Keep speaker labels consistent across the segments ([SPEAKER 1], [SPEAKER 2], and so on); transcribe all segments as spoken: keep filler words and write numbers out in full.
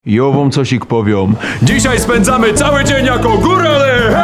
[SPEAKER 1] Ja wam cosik powiem. Dzisiaj spędzamy cały dzień jako górale!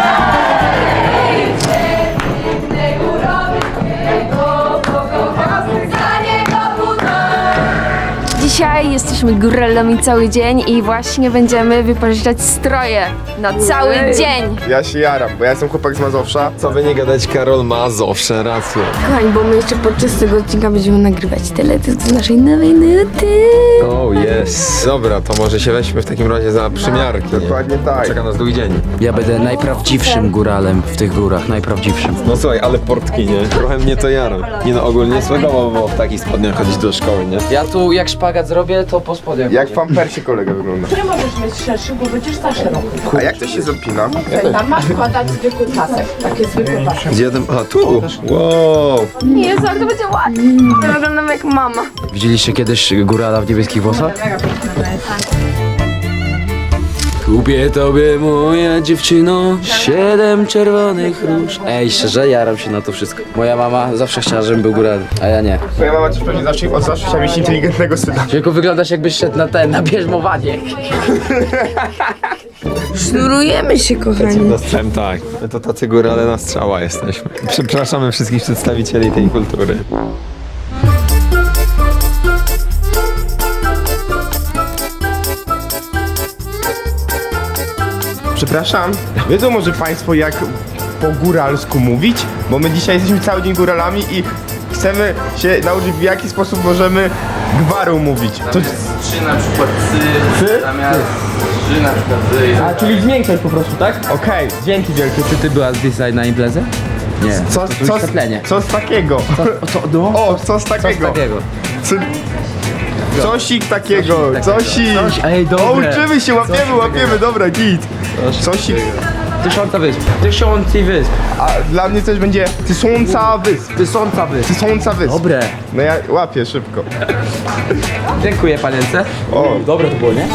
[SPEAKER 2] Dzisiaj jesteśmy góralami cały dzień i właśnie będziemy wypożyczać stroje na cały dzień.
[SPEAKER 3] Ja się jaram, bo ja jestem chłopak z Mazowsza.
[SPEAKER 4] Co by nie gadać, Karol ma zawsze rację.
[SPEAKER 2] Kochani, bo my jeszcze podczas tego odcinka będziemy nagrywać teledysk z naszej nowej nuty.
[SPEAKER 4] Oh yes. Dobra, to może się weźmy w takim razie za przymiarki. nie?
[SPEAKER 3] Dokładnie tak.
[SPEAKER 4] Czeka nas długi dzień.
[SPEAKER 5] Ja będę najprawdziwszym góralem w tych górach, najprawdziwszym.
[SPEAKER 4] No słuchaj, ale portki, nie? Trochę mnie to jara. Nie no, ogólnie słego było w takich spodniach chodzić do szkoły, nie?
[SPEAKER 5] Ja tu jak szpagat zrobię, to po spodniach.
[SPEAKER 3] Jak w pampersie kolega wygląda.
[SPEAKER 6] Nie możesz mieć szerszy, bo będziesz za szeroki.
[SPEAKER 3] A jak to się zapina?
[SPEAKER 6] Tam masz wkładać zwykły pasek, takie zwykłe pasek.
[SPEAKER 4] Gdzie ten... A, tu! Wow!
[SPEAKER 2] Jezu, jak to będzie ładnie. Ja wyglądam jak mama.
[SPEAKER 5] Widzieliście kiedyś górala w niebieskich włosach? Kupię tobie, moja dziewczyno, siedem czerwonych róż. Ej, szczerze, jaram się na to wszystko. Moja mama zawsze chciała, żebym był góralem, a ja nie.
[SPEAKER 3] Twoja mama też pewnie zawsze, od zawsze chciała mieć inteligentnego syna.
[SPEAKER 5] Tylko wyglądasz, jakbyś szedł na ten, na bierzmowanie.
[SPEAKER 2] Sznurujemy się, kochani.
[SPEAKER 4] Dostałem tak. My to tacy górale na strzała jesteśmy. Przepraszamy wszystkich przedstawicieli tej kultury.
[SPEAKER 3] Przepraszam, wiedzą może państwo jak po góralsku mówić? Bo my dzisiaj jesteśmy cały dzień góralami i chcemy się nauczyć, w jaki sposób możemy gwaru mówić. To...
[SPEAKER 5] Trzy na przykład
[SPEAKER 3] Ty?
[SPEAKER 5] cy, zamiast trzy na przykład zy.
[SPEAKER 3] A, czyli zwiększać po prostu, tak? Okej, dzięki wielkie.
[SPEAKER 5] Czy ty byłaś dzisiaj na imprezę? Nie.
[SPEAKER 3] Co,
[SPEAKER 5] to
[SPEAKER 3] co,
[SPEAKER 5] wyświetlenie.
[SPEAKER 3] co z takiego?
[SPEAKER 5] Co, no?
[SPEAKER 3] O, co z takiego?
[SPEAKER 5] takiego?
[SPEAKER 3] Co... Cosik takiego, cosik.
[SPEAKER 5] Coś, ej,
[SPEAKER 3] O,
[SPEAKER 5] dobre.
[SPEAKER 3] uczymy się, łapiemy, łapiemy, dobra, git. Cosik.
[SPEAKER 5] Tysiąca wysp. Tysiący wysp.
[SPEAKER 3] A dla mnie coś będzie tysiąca wysp.
[SPEAKER 5] Tysiąca wysp.
[SPEAKER 3] Tysiąca wysp.
[SPEAKER 5] Dobre.
[SPEAKER 3] No ja łapię szybko.
[SPEAKER 5] Dziękuję, panience.
[SPEAKER 3] O,
[SPEAKER 5] Dobre to było, nie?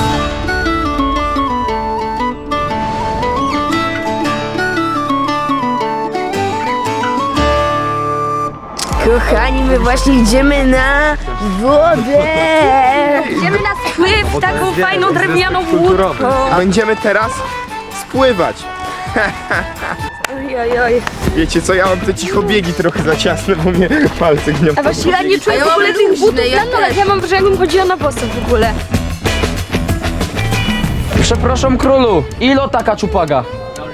[SPEAKER 2] Kochani, my właśnie idziemy na wodę. Idziemy na spływ taką fajną drewnianą łódką.
[SPEAKER 3] będziemy teraz spływać.
[SPEAKER 2] Oj, oj, oj.
[SPEAKER 3] Wiecie co, ja mam te cichobiegi trochę za ciasne, bo mnie palce gnią.
[SPEAKER 2] A właśnie ja nie czuję w ogóle tych butów na nogach. Ja mam wrażenie, jakbym chodziła na boso w ogóle.
[SPEAKER 5] Przepraszam, królu. Ilo taka czupaga?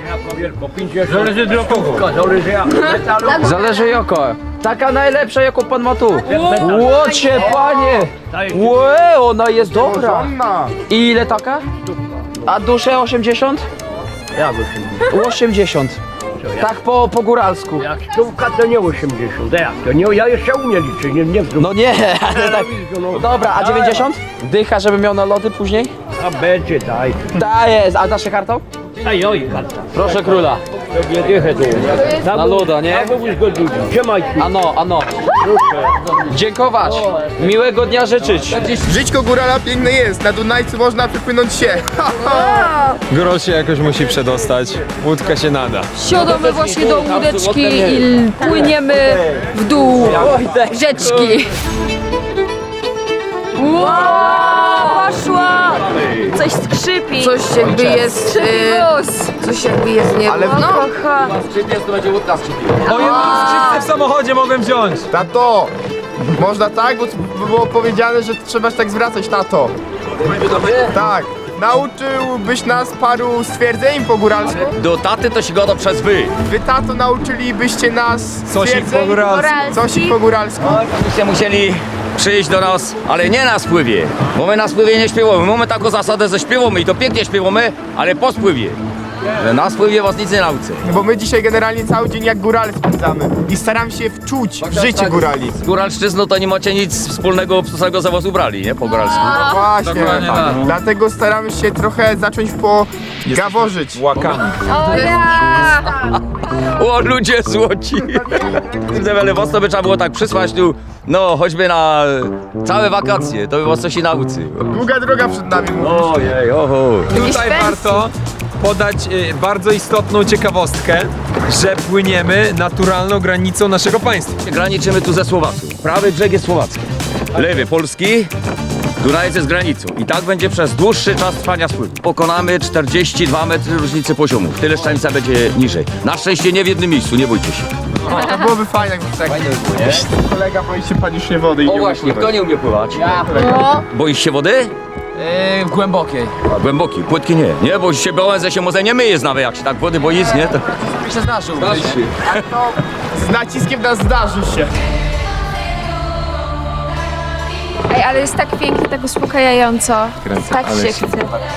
[SPEAKER 5] Zależy joko. Taka najlepsza, jaką pan ma tu. Łocie, panie. Łe, ona jest dobra.
[SPEAKER 3] Żonna.
[SPEAKER 5] I ile taka? A dusze osiemdziesiąt?
[SPEAKER 7] Jak osiemdziesiąt?
[SPEAKER 5] osiemdziesiąt. Tak po, po góralsku.
[SPEAKER 7] Jak stówka to nie osiemdziesiąt, jak to nie, ja jeszcze umiem liczyć, nie, nie wzrób.
[SPEAKER 5] No nie, ale tak. Dobra, a dziewięćdziesiąt? Dycha, żeby miał na lody później?
[SPEAKER 7] A będzie, daj.
[SPEAKER 5] Daję, a dasz się kartą?
[SPEAKER 7] Daj, oj, karta.
[SPEAKER 5] Proszę króla.
[SPEAKER 7] Nie dychę tu.
[SPEAKER 5] Na loda, nie?
[SPEAKER 7] Mówisz go dużo. Trzymaj tu.
[SPEAKER 5] Ano, ano. Dziękować. Miłego dnia życzyć.
[SPEAKER 3] Żyćko górala piękne jest, na Dunajcu można wypłynąć się.
[SPEAKER 4] Góral się jakoś musi przedostać. Łódka się nada.
[SPEAKER 2] Siadamy właśnie do łódeczki i płyniemy w dół rzeczki. Wow, poszła! Coś skrzypi. Coś jakby jest... Skrzypi Coś jakby jest nie...
[SPEAKER 3] Ale w-
[SPEAKER 2] No, kocha.
[SPEAKER 4] O, jedną skrzypce w samochodzie mogłem wziąć.
[SPEAKER 3] Tato, można tak, bo b- było powiedziane, że trzeba się tak zwracać, tato. Tak. Nauczyłbyś nas paru stwierdzeń po góralsku?
[SPEAKER 8] Do taty to się gada przez wy.
[SPEAKER 3] Wy, tato, nauczylibyście nas
[SPEAKER 4] Cosik
[SPEAKER 3] stwierdzeń?
[SPEAKER 4] po góralsku.
[SPEAKER 3] Cosik po góralsku.
[SPEAKER 8] Byście musieli przyjść do nas, ale nie na spływie, bo my na spływie nie śpiewamy. Mamy taką zasadę, że śpiewamy i to pięknie śpiewamy, ale po spływie. Że na spływie was nic nie nauczę.
[SPEAKER 3] Bo my dzisiaj generalnie cały dzień jak górale spędzamy i staram się wczuć w życie górali.
[SPEAKER 8] Z góralszczyzną to nie macie nic wspólnego z tego, że was ubrali, nie? Po góralsku.
[SPEAKER 3] No właśnie,
[SPEAKER 4] Dokładnie tak.
[SPEAKER 3] dlatego staramy się trochę zacząć pogaworzyć.
[SPEAKER 4] Łakami.
[SPEAKER 2] O ja!
[SPEAKER 8] O, ludzie złoci. Ale was to by trzeba było tak przysłać tu, no choćby na całe wakacje, to by was coś i nauczy.
[SPEAKER 3] Długa droga przed nami.
[SPEAKER 8] Ojej, oho.
[SPEAKER 9] Tutaj warto podać y, bardzo istotną ciekawostkę, że płyniemy naturalną granicą naszego państwa.
[SPEAKER 8] Graniczymy tu ze Słowacją. Prawy brzeg jest słowacki. Lewy polski, Dunajec jest granicą i tak będzie przez dłuższy czas trwania spływu. Pokonamy czterdzieści dwa metry różnicy poziomów. Tyle szczelnica będzie niżej. Na szczęście nie w jednym miejscu, nie bójcie się.
[SPEAKER 3] To byłoby fajnie, jakby tak. Fajnie by było, nie? Kolega boi się panicznie wody i
[SPEAKER 8] O
[SPEAKER 3] nie
[SPEAKER 8] właśnie, kto nie umie pływać?
[SPEAKER 5] Ja.
[SPEAKER 2] No.
[SPEAKER 8] Boisz się wody?
[SPEAKER 5] Yy, w głębokiej.
[SPEAKER 8] A głęboki, płytki nie. Nie, bo się Bołęze się może nie myje nawet, jak się tak wody boi, nie? To...
[SPEAKER 5] Mi się zdarzył.
[SPEAKER 3] Z naciskiem na zdarzy się.
[SPEAKER 2] Ej, ale jest tak pięknie, tak uspokajająco. Tak się chce.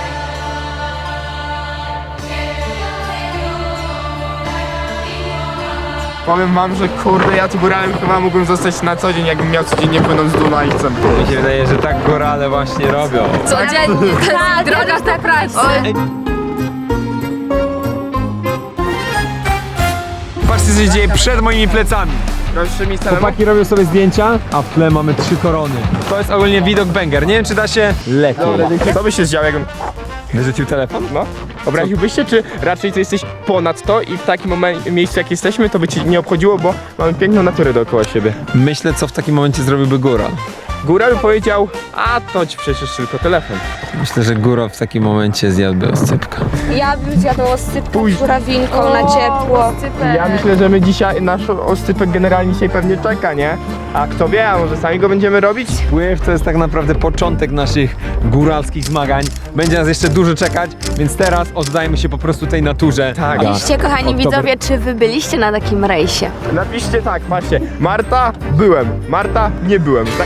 [SPEAKER 3] Powiem wam, że kurde, ja tu góralem chyba mógłbym zostać na co dzień, jakbym miał codziennie płynąć z Dunajcem.
[SPEAKER 4] Mi się wydaje, że tak górale właśnie robią.
[SPEAKER 2] Codziennie, tak, droga do pracy.
[SPEAKER 9] Patrzcie, co się dzieje przed moimi plecami.
[SPEAKER 3] Proszę mi samemu.
[SPEAKER 9] Chłopaki robią sobie zdjęcia, a w tle mamy trzy korony. To jest ogólnie widok banger. Nie wiem, czy da się lepiej.
[SPEAKER 3] Co by się zdziało, jakbym
[SPEAKER 9] Wyrzucił telefon?
[SPEAKER 3] No. Obraziłbyś się, czy raczej to jesteś ponad to i w takim momen- miejscu jak jesteśmy, to by ci nie obchodziło, bo mamy piękną naturę dookoła siebie.
[SPEAKER 9] Myślę, co w takim momencie zrobiłby góral.
[SPEAKER 3] Góra by powiedział, a to ci przecież tylko telefon.
[SPEAKER 4] Myślę, że góral w takim momencie zjadłby oscypka.
[SPEAKER 2] Ja bym zjadła sypkę
[SPEAKER 3] Pójdź.
[SPEAKER 2] z żurawinką na ciepło.
[SPEAKER 3] Ja myślę, że my dzisiaj, nasz oscypek generalnie dzisiaj pewnie czeka, nie? A kto wie, a może sami go będziemy robić?
[SPEAKER 9] Pływ to jest tak naprawdę początek naszych góralskich zmagań. Będzie nas jeszcze dużo czekać, więc teraz oddajmy się po prostu tej naturze.
[SPEAKER 3] Tak.
[SPEAKER 2] Piszcie, kochani widzowie, czy wy byliście na takim rejsie?
[SPEAKER 3] Napiszcie tak, patrzcie. Marta, byłem. Marta, nie byłem. Tak.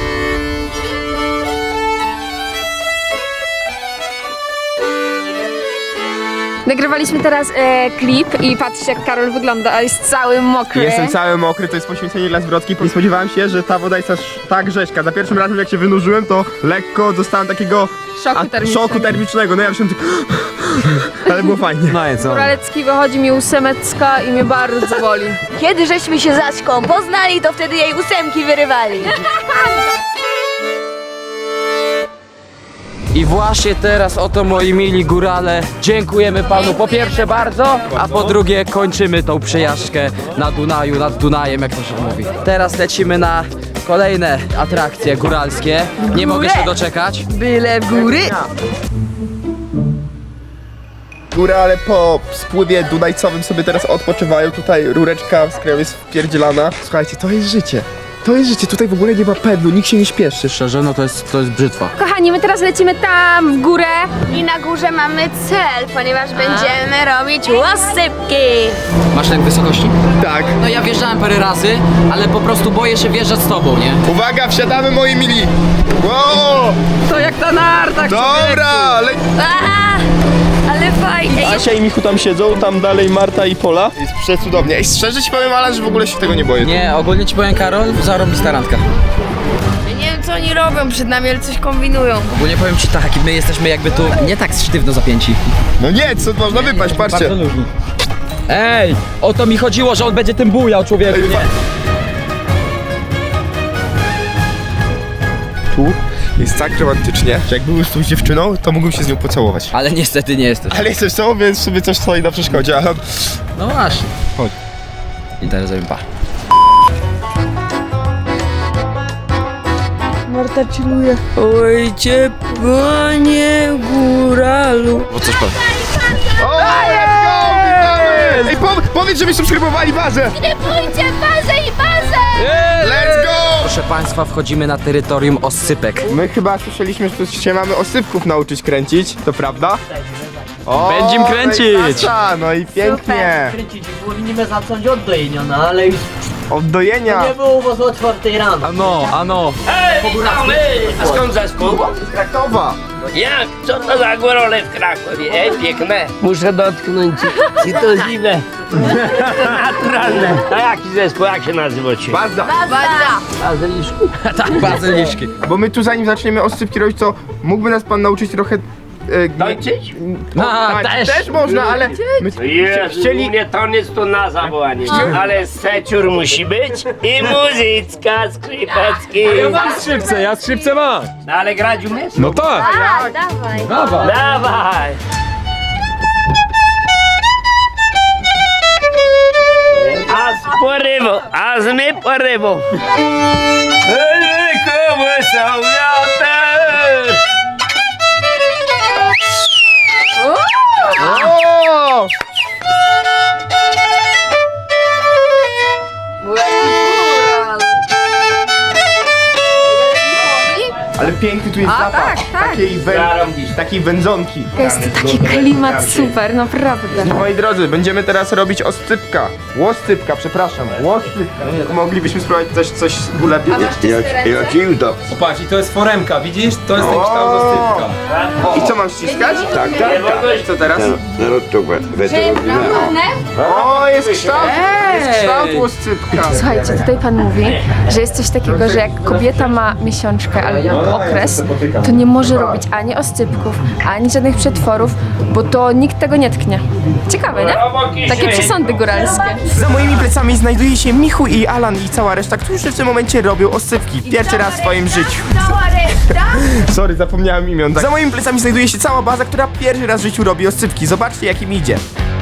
[SPEAKER 2] Nagrywaliśmy teraz e, klip i patrzcie, jak Karol wygląda, a jest cały mokry.
[SPEAKER 3] Jestem cały mokry, to jest poświęcenie dla zwrotki. Nie spodziewałem się, że ta woda jest aż tak rzeźka. Za pierwszym razem jak się wynurzyłem, to lekko dostałem takiego
[SPEAKER 2] Szoku
[SPEAKER 3] a-
[SPEAKER 2] termicznego.
[SPEAKER 3] szoku termicznego. No ja myślałem, ale było fajnie.
[SPEAKER 9] No i co?
[SPEAKER 2] Góralecki wychodzi mi ósemecka i mnie bardzo boli. Kiedy żeśmy się z Aśką poznali, to wtedy jej ósemki wyrywali.
[SPEAKER 5] I właśnie teraz oto moi mili górale, dziękujemy panu po pierwsze bardzo, a po drugie kończymy tą przejażdżkę na Dunaju, nad Dunajem, jak to się mówi. Teraz lecimy na kolejne atrakcje góralskie. Nie mogę się doczekać.
[SPEAKER 2] Byle w góry.
[SPEAKER 3] Góra, ale po spływie dunajcowym sobie teraz odpoczywają. Tutaj rureczka z kraju jest wpierdzielana. Słuchajcie, to jest życie. To jest życie, tutaj w ogóle nie ma pędu, nikt się nie śpieszy.
[SPEAKER 5] Szczerze, no to jest, to jest brzytwa.
[SPEAKER 2] Kochani, my teraz lecimy tam w górę i na górze mamy cel, ponieważ będziemy robić łosypki.
[SPEAKER 5] Masz lęk wysokości?
[SPEAKER 3] Tak.
[SPEAKER 5] No ja wjeżdżałem parę razy, ale po prostu boję się wjeżdżać z tobą, nie?
[SPEAKER 3] Uwaga, wsiadamy moi mili. Wow!
[SPEAKER 5] To jak ta narta,
[SPEAKER 3] Dobra! Le-
[SPEAKER 2] A, ale fajnie.
[SPEAKER 3] Asia i Michu tam siedzą, tam dalej Marta i Pola. Jest przecudownie. Ej, szczerze ci powiem, Alan, że w ogóle się tego nie boję.
[SPEAKER 5] Nie, ogólnie ci powiem, Karol, zarobista randka.
[SPEAKER 2] Ja nie wiem, co oni robią przed nami, ale coś kombinują.
[SPEAKER 5] Ogólnie powiem ci tak, my jesteśmy jakby tu nie tak sztywno zapięci.
[SPEAKER 3] No nie, co można wypaść, patrzcie.
[SPEAKER 5] luźni. Ej, o to mi chodziło, że on będzie tym bujał, człowieku,
[SPEAKER 3] Ej,
[SPEAKER 5] nie?
[SPEAKER 3] Tu jest tak romantycznie, że jakby był z tą dziewczyną, to mógłbym się z nią pocałować.
[SPEAKER 5] Ale niestety nie jesteś.
[SPEAKER 3] Ale jesteś sobą, więc sobie coś stoi na przeszkodzie. ale-
[SPEAKER 5] No właśnie.
[SPEAKER 3] Chodź.
[SPEAKER 5] I teraz zrobimy pa.
[SPEAKER 2] Marta chilluje. Ojcie, panie góralu.
[SPEAKER 5] Bo coś powiem.
[SPEAKER 3] O, let's go! Witamy! Ej, po, powiedz, żeby subskrybowali bazę!
[SPEAKER 2] Pójdźcie bazę i bazę!
[SPEAKER 3] Let's go!
[SPEAKER 5] Proszę państwa, wchodzimy na terytorium oscypek.
[SPEAKER 3] My chyba słyszeliśmy, że tu się mamy osypków nauczyć kręcić, to prawda? O,
[SPEAKER 9] Będziem kręcić!
[SPEAKER 3] no i klasa, no i pięknie!
[SPEAKER 7] Kręcić, powinniśmy zacząć od dojenia, no ale już
[SPEAKER 3] Od dojenia!
[SPEAKER 7] nie było u was o czwartej rano.
[SPEAKER 9] Ano, ano.
[SPEAKER 10] A skąd zespół?
[SPEAKER 3] Z Krakowa!
[SPEAKER 10] Jak? Co to za górole w Krakowie? Ej, piękne.
[SPEAKER 7] Muszę dotknąć, czy to zimne.
[SPEAKER 10] Naturalne. A jaki zespół? Jak się nazywacie?
[SPEAKER 3] Baza!
[SPEAKER 2] Baza!
[SPEAKER 7] A zeliszku?
[SPEAKER 5] Tak, bazyliszki.
[SPEAKER 3] Bo my tu zanim zaczniemy osypki robić, to mógłby nas pan nauczyć trochę... E,
[SPEAKER 10] Tańczyć?
[SPEAKER 3] no,
[SPEAKER 5] A,
[SPEAKER 3] tańczyć
[SPEAKER 5] też.
[SPEAKER 3] też można, ale my
[SPEAKER 10] Jezu,
[SPEAKER 3] chcieli...
[SPEAKER 10] mnie to nic tu na zawołanie. Ale seciur musi być i muzyczka, skrzypecki.
[SPEAKER 9] Ja mam skrzypce, ja skrzypce mam.
[SPEAKER 10] No ale grać umiesz?
[SPEAKER 9] No tak.
[SPEAKER 2] A, dawaj.
[SPEAKER 9] Dawaj.
[SPEAKER 10] Dawaj. A z porywu, a z my porywu. Komu są wiatr?
[SPEAKER 3] tu jest
[SPEAKER 2] A,
[SPEAKER 3] zapach
[SPEAKER 2] tak, tak.
[SPEAKER 3] takiej, wę... takiej wędzonki.
[SPEAKER 2] Jest to taki klimat super, naprawdę.
[SPEAKER 3] Moi drodzy, będziemy teraz robić oscypka. Łoscypka, przepraszam. Łoscypka. Moglibyśmy spróbować też coś ulepić.
[SPEAKER 9] Patrz, i to jest foremka, widzisz? To jest ten kształt oscypka.
[SPEAKER 3] I co mam ściskać? Tak, tak, tak. Co teraz? O, jest kształt, jest kształt łoscypka.
[SPEAKER 6] Słuchajcie, tutaj pan mówi, że jest coś takiego, że jak kobieta ma miesiączkę albo okres, to nie może robić ani oscypków, ani żadnych przetworów, bo to nikt tego nie tknie. Ciekawe, nie? Takie przesądy góralskie.
[SPEAKER 3] Za moimi plecami znajduje się Michu i Alan i cała reszta, którzy w tym momencie robią oscypki. Pierwszy raz w swoim życiu.
[SPEAKER 2] Cała reszta?
[SPEAKER 3] Sorry, zapomniałem imion. Tak. Za moimi plecami znajduje się cała baza, która pierwszy raz w życiu robi oscypki. Zobaczcie, jak im idzie.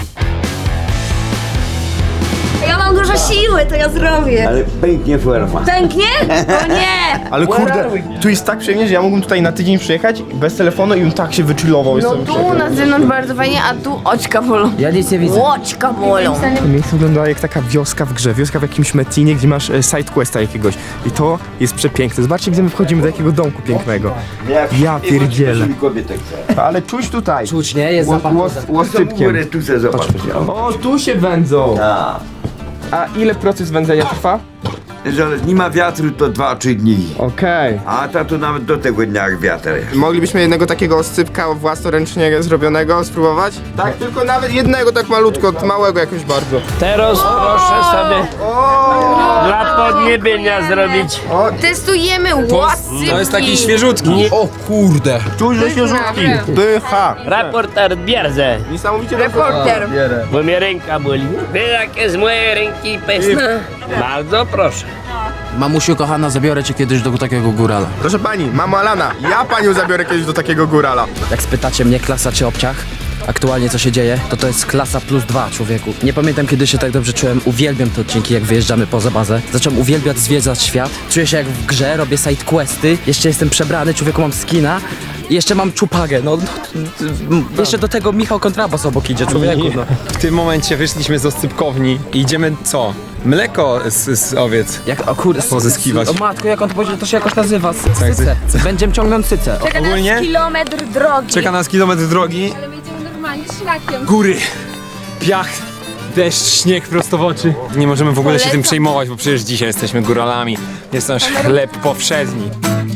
[SPEAKER 2] Ja mam dużo siły, to ja zrobię.
[SPEAKER 11] Ale pęknie forma.
[SPEAKER 2] Pęknie? O nie!
[SPEAKER 3] Ale kurde, tu jest tak przyjemnie, że ja mógłbym tutaj na tydzień przyjechać bez telefonu i bym tak się wyczulował.
[SPEAKER 2] No tu na zewnątrz bardzo fajnie, a tu oczka bolą.
[SPEAKER 5] Ja nic nie widzę.
[SPEAKER 2] Oczka bolą.
[SPEAKER 3] To miejsce wygląda jak taka wioska w grze, wioska w jakimś Metinie, gdzie masz e, sidequesta jakiegoś. I to jest przepiękne. Zobaczcie, gdzie my wchodzimy do jakiego domku pięknego. Ja pierdzielę. Ale czuć tutaj.
[SPEAKER 5] Czuć, nie? Jest zapach.
[SPEAKER 3] Łoscypkiem.
[SPEAKER 11] Tu se zobacz.
[SPEAKER 3] O, tu się wędzą.
[SPEAKER 11] A,
[SPEAKER 3] A ile proces wędzenia trwa?
[SPEAKER 11] że nie ma wiatru to dwa trzy dni.
[SPEAKER 3] Okej.
[SPEAKER 11] A ta to nawet do tego dnia jak wiatr jest.
[SPEAKER 3] Moglibyśmy jednego takiego oscypka własnoręcznie zrobionego spróbować? Tak, tylko nawet jednego tak malutko, małego jakoś bardzo.
[SPEAKER 10] Teraz proszę sobie dla podniebienia zrobić.
[SPEAKER 2] Testujemy łoscypki.
[SPEAKER 9] To jest taki świeżutki. O kurde.
[SPEAKER 3] Czuć, że się rzutki. Pycha.
[SPEAKER 10] Raporter bierze,
[SPEAKER 3] Niesamowicie
[SPEAKER 2] Reporter.
[SPEAKER 10] bo mnie ręka boli. Wie jakie z mojej ręki pesne. Bardzo proszę.
[SPEAKER 5] Mamusiu kochana, zabiorę cię kiedyś do takiego górala.
[SPEAKER 3] Proszę pani, mamo Alana, ja panią zabiorę kiedyś do takiego górala.
[SPEAKER 5] Jak spytacie mnie klasa czy obciach, aktualnie co się dzieje, to to jest klasa plus dwa, człowieku. Nie pamiętam kiedy się tak dobrze czułem, uwielbiam te odcinki jak wyjeżdżamy poza bazę. Zacząłem uwielbiać zwiedzać świat, czuję się jak w grze, robię side questy, jeszcze jestem przebrany, człowieku mam skina. I jeszcze mam czupagę, no, no, no jeszcze do tego Michał Kontrabas obok idzie, człowieku, no.
[SPEAKER 9] W tym momencie wyszliśmy z oscypkowni i idziemy co? Mleko z, z owiec.
[SPEAKER 5] Jak, o kurde,
[SPEAKER 9] Pozyskiwać.
[SPEAKER 5] O matko, jak on to powiedział, to się jakoś nazywa, syce. Będziemy ciągnąć syce.
[SPEAKER 2] Czeka
[SPEAKER 9] Ogólnie?
[SPEAKER 2] nas kilometr drogi.
[SPEAKER 9] Czeka nas kilometr drogi.
[SPEAKER 6] Ale my idziemy normalnie szlakiem.
[SPEAKER 9] Góry, piach, deszcz, śnieg prosto w oczy. Nie możemy w ogóle się tym
[SPEAKER 2] Polecam.
[SPEAKER 9] przejmować, bo przecież dzisiaj jesteśmy góralami. Jest nasz chleb powszedni.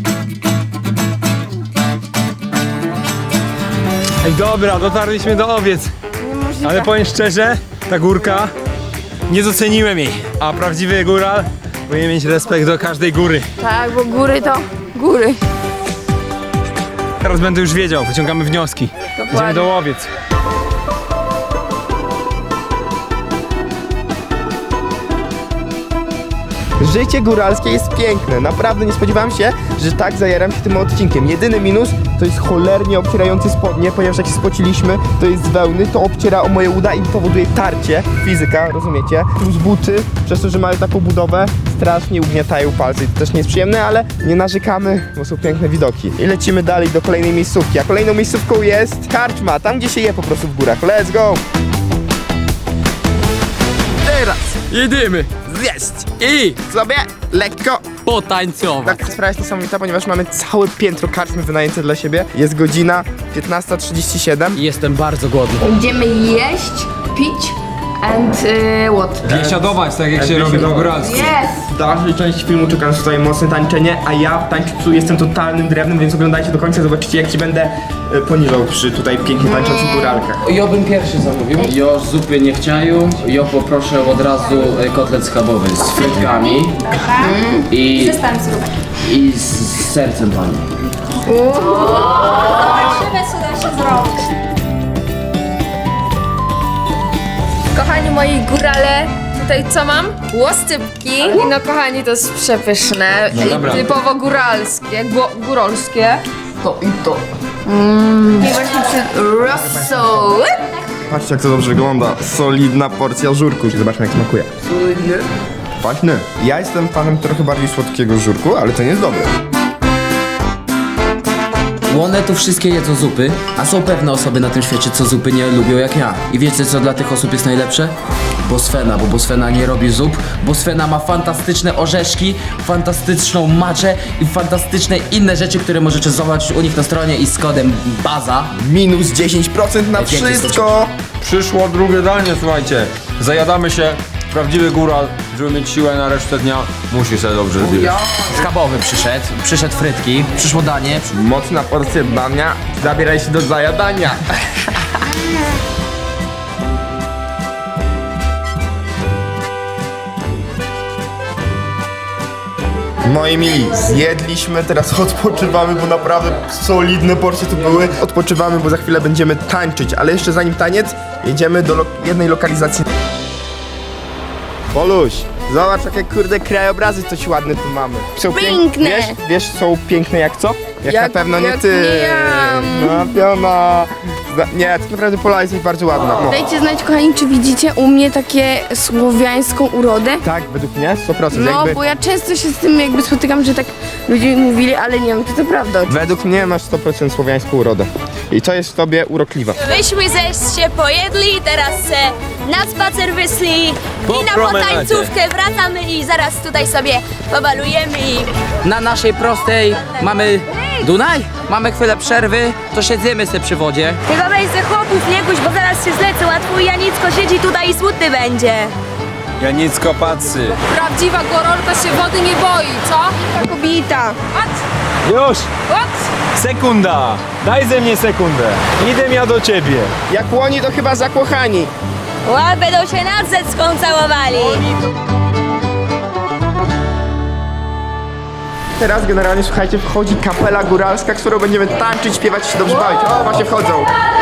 [SPEAKER 9] Ej, dobra, dotarliśmy do owiec. Ale powiem szczerze, ta górka, nie doceniłem jej. A prawdziwy góral powinien mieć respekt do każdej góry.
[SPEAKER 2] Tak, bo góry to góry.
[SPEAKER 9] Teraz będę już wiedział, wyciągamy wnioski. Idziemy do łowiec.
[SPEAKER 3] Życie góralskie jest piękne. Naprawdę nie spodziewałem się, że tak zajaram się tym odcinkiem. Jedyny minus to jest cholernie obcierający spodnie, ponieważ jak się spociliśmy, to jest z wełny, to obciera o moje uda i powoduje tarcie. Fizyka, rozumiecie? Plus buty, przez to, że mają taką budowę, strasznie ugniatają palce. I to też nie jest przyjemne, ale nie narzekamy, bo są piękne widoki. I lecimy dalej do kolejnej miejscówki. A kolejną miejscówką jest karczma, tam gdzie się je po prostu w górach. Let's go! Teraz
[SPEAKER 5] Jedziemy
[SPEAKER 3] zjeść i sobie lekko.
[SPEAKER 5] potańcować.
[SPEAKER 3] Taka sprawa jest niesamowita, ponieważ mamy całe piętro karczmy wynajęte dla siebie. Jest godzina piętnasta trzydzieści siedem.
[SPEAKER 5] I jestem bardzo głodny.
[SPEAKER 2] Będziemy jeść, pić and y, what?
[SPEAKER 9] Biesiadować, tak jak się robi po góralsku.
[SPEAKER 2] Yes!
[SPEAKER 3] W dalszej części filmu czeka nas tutaj mocne tańczenie, a ja w tańcu jestem totalnym drewnem, więc oglądajcie do końca, zobaczycie jak ci będę e, poniżał przy tutaj pięknie tańczących góralkach.
[SPEAKER 5] Ja bym pierwszy zamówił. Ja zupy nie chciają. Ja poproszę od razu e, kotlet schabowy z frytkami i,
[SPEAKER 2] Przestań zróbek.
[SPEAKER 5] i z, z sercem pani.
[SPEAKER 2] Zobaczymy co da się zrobić. Kochani moi górale, tutaj co mam? Łoscypki. I no kochani, to jest przepyszne.
[SPEAKER 9] dobra.
[SPEAKER 2] I typowo góralskie, gó- góralskie. To i to. Mmm. I właśnie przy rosół.
[SPEAKER 3] Patrzcie jak to dobrze wygląda, solidna porcja żurku. Zobaczmy jak smakuje.
[SPEAKER 2] Solidny.
[SPEAKER 3] Paśny. Ja jestem fanem trochę bardziej słodkiego żurku, ale to nie jest dobre.
[SPEAKER 5] bo one tu wszystkie jedzą zupy, a są pewne osoby na tym świecie, co zupy nie lubią jak ja. I wiecie, co dla tych osób jest najlepsze? Bosfena, bo Bosfena nie robi zup. Bosfena ma fantastyczne orzeszki, fantastyczną maczę i fantastyczne inne rzeczy, które możecie zobaczyć u nich na stronie i z kodem BAZA.
[SPEAKER 3] Minus dziesięć procent na
[SPEAKER 5] Najwięcej
[SPEAKER 3] wszystko.
[SPEAKER 4] Przyszło drugie danie, słuchajcie. Zajadamy się. Prawdziwy góral, żeby mieć siłę na resztę dnia, musi sobie dobrze zjeść.
[SPEAKER 5] Schabowy przyszedł, przyszedł frytki, przyszło danie.
[SPEAKER 3] Mocna porcja dania. Zabieraj się do zajadania. Moi mili, zjedliśmy, teraz odpoczywamy, bo naprawdę solidne porcje tu były. Odpoczywamy, bo za chwilę będziemy tańczyć, ale jeszcze zanim taniec, jedziemy do lo jednej lokalizacji. Poluś, zobacz jakie kurde krajobrazy coś ładne tu mamy. Są pięk-
[SPEAKER 2] Piękne.
[SPEAKER 3] Wiesz, wiesz, są piękne jak co? Jak,
[SPEAKER 2] Jak-
[SPEAKER 3] na pewno nie
[SPEAKER 2] jak
[SPEAKER 3] ty.
[SPEAKER 2] nie ja.
[SPEAKER 3] No piona. Zna- Nie, tak naprawdę Pola jest bardzo ładna. No.
[SPEAKER 2] Dajcie znać, kochani, czy widzicie u mnie takie słowiańską urodę?
[SPEAKER 3] Tak, według mnie sto procent.
[SPEAKER 2] No,
[SPEAKER 3] jakby...
[SPEAKER 2] bo ja często się z tym jakby spotykam, że tak ludzie mi mówili, ale nie wiem, czy to prawda.
[SPEAKER 3] Według mnie masz sto procent słowiańską urodę. I to jest w tobie urokliwa.
[SPEAKER 12] Myśmy ze się pojedli, teraz se na spacer wyszli i na potańcówkę wracamy i zaraz tutaj sobie pobalujemy i...
[SPEAKER 5] Na naszej prostej mamy Dunaj, mamy chwilę przerwy, to siedzimy sobie przy wodzie.
[SPEAKER 12] Tylko weź ze chłopów nie guś, bo zaraz się zlecą, a twój Janicko siedzi tutaj i smutny będzie.
[SPEAKER 9] Janicko patrzy.
[SPEAKER 6] Prawdziwa gorolka się wody nie boi, co?
[SPEAKER 2] Kobieta.
[SPEAKER 9] Już! Sekunda! Daj ze mnie sekundę. Idę ja do ciebie.
[SPEAKER 3] Jak łoni to chyba zakochani.
[SPEAKER 12] Ła, będą się nad zecką całowali.
[SPEAKER 3] Teraz generalnie, słuchajcie, wchodzi kapela góralska, którą będziemy tańczyć, śpiewać i się dobrze bawić. O, właśnie wchodzą.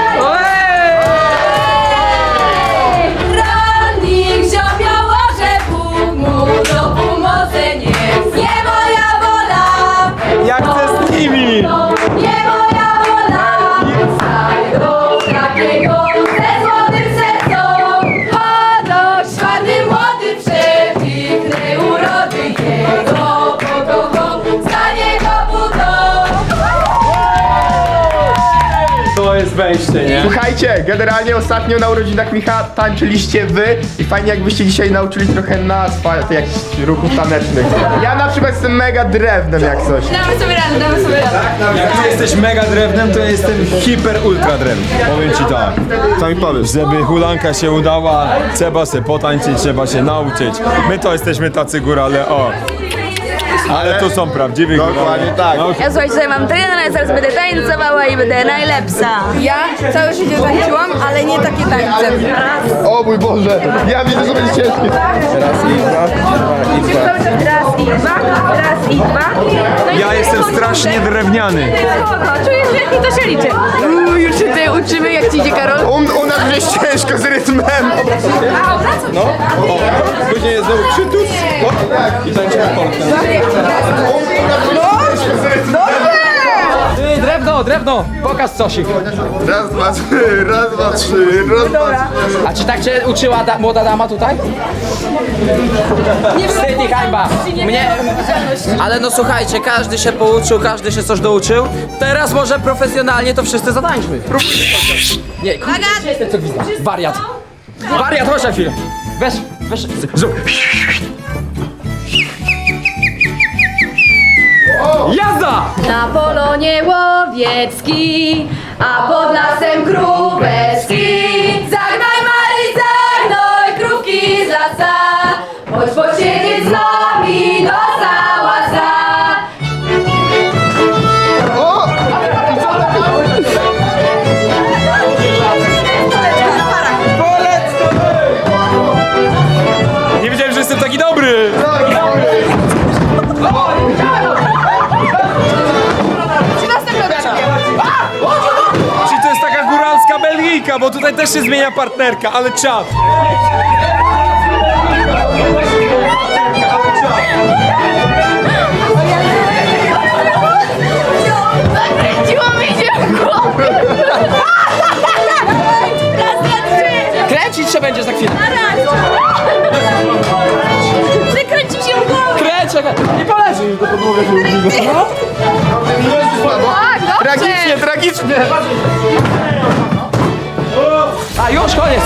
[SPEAKER 12] Rannik ziobia łoże, Bóg mu do pomocy nie. Nie moja wola,
[SPEAKER 9] Jak chcę z nimi!
[SPEAKER 12] nie moja wola. Znajdą takiego ze złotym sercem. Chodoś ładny, młody, przepiękny urody jego pokochał, za niego budą.
[SPEAKER 9] To jest wejście, nie?
[SPEAKER 3] Słuchajcie, generalnie ostatnio na urodzinach Micha tańczyliście wy i fajnie jakbyście dzisiaj nauczyli trochę nas pa- jakichś ruchów tanecznych. Ja na przykład jestem mega drewnem jak coś.
[SPEAKER 12] Damy sobie radę, damy sobie radę.
[SPEAKER 9] Jak ty jesteś mega drewnem, to ja jestem hiper ultra drewnem. Powiem ci tak.
[SPEAKER 3] Co mi powiesz?
[SPEAKER 9] Żeby hulanka się udała, trzeba się potańczyć, trzeba się nauczyć. My to jesteśmy tacy górale, o. Ale to są prawdziwi górale.
[SPEAKER 3] Dokładnie tak.
[SPEAKER 9] No,
[SPEAKER 12] Ja słuchajcie, tutaj mam trenera, zaraz będę tańcowała i będę najlepsza.
[SPEAKER 2] Ja całe życie tańczyłam, ale nie takie tańce.
[SPEAKER 3] O mój Boże, ja widzę, że będzie ciężkie. Raz i dwa, dwa i dwa.
[SPEAKER 12] Raz i dwa, raz i dwa. No i
[SPEAKER 9] ja jestem strasznie drewniany.
[SPEAKER 12] czujesz, jak mi to się liczy.
[SPEAKER 2] Uuu, już się tutaj uczymy, jak ci idzie, Karol.
[SPEAKER 3] U, u nas jest ciężko z rytmem.
[SPEAKER 9] No, o, później jest znowu przytus i tańczymy polkę.
[SPEAKER 5] Ty, drewno, drewno, pokaż cosik.
[SPEAKER 3] Raz, dwa, trzy, raz, dwa, trzy, raz, dwa, trzy.
[SPEAKER 5] A czy tak cię uczyła da młoda dama tutaj? Nie wstyd i hańba. Mnie... Ale no słuchajcie, każdy się pouczył, każdy się coś douczył. Teraz może profesjonalnie to wszyscy zatańczmy. Nie, kurde, jestem co widzę. Wariat. Wariat, chodź na chwilę. Weź, weź, zrób. Jazda!
[SPEAKER 12] Na polonie łowiecki, a pod lasem króweczki. Zagnaj Mary, zagnoj krówki z lasa, chodź posiedzieć z nami do sałasa.
[SPEAKER 9] Nie wiedziałem, że jestem taki dobry! Czyli to jest taka góralska Belgijka, bo tutaj też się zmienia partnerka, ale czad!
[SPEAKER 2] Zakręciło mi się w głowie.
[SPEAKER 12] Raz, dwa, trzy.
[SPEAKER 5] Kręcić się będzie za chwilę.
[SPEAKER 12] Zakręcił się w głowę.
[SPEAKER 5] Kręć, czekaj. Nie poleży już do podłogi.
[SPEAKER 2] Tak,
[SPEAKER 3] Tragicznie, tragicznie!
[SPEAKER 5] A już koniec!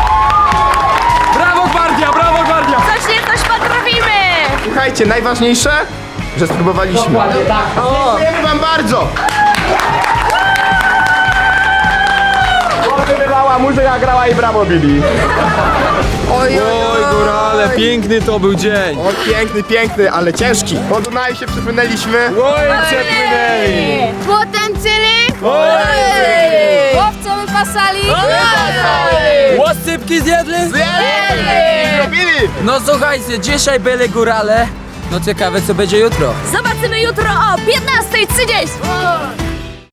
[SPEAKER 9] Brawo gwardia, brawo gwardia!
[SPEAKER 12] Coś nie coś potrafimy!
[SPEAKER 3] Słuchajcie, najważniejsze, że spróbowaliśmy. Dziękujemy wam bardzo! Wybywała, muzyka grała i brawo, Billy. Oj,
[SPEAKER 9] Oj, górale, piękny to był dzień.
[SPEAKER 3] O, piękny, piękny, ale ciężki. Po Dunaju się przepłynęliśmy.
[SPEAKER 9] Oj, przepłynęli.
[SPEAKER 6] Potencyny!
[SPEAKER 3] Oj!
[SPEAKER 6] Łowco wypasali!
[SPEAKER 5] Łosypki zjedli?
[SPEAKER 3] Zrobili!
[SPEAKER 5] No słuchajcie, dzisiaj byli górale. No ciekawe co będzie jutro.
[SPEAKER 12] Zobaczymy jutro o piętnasta trzydzieści!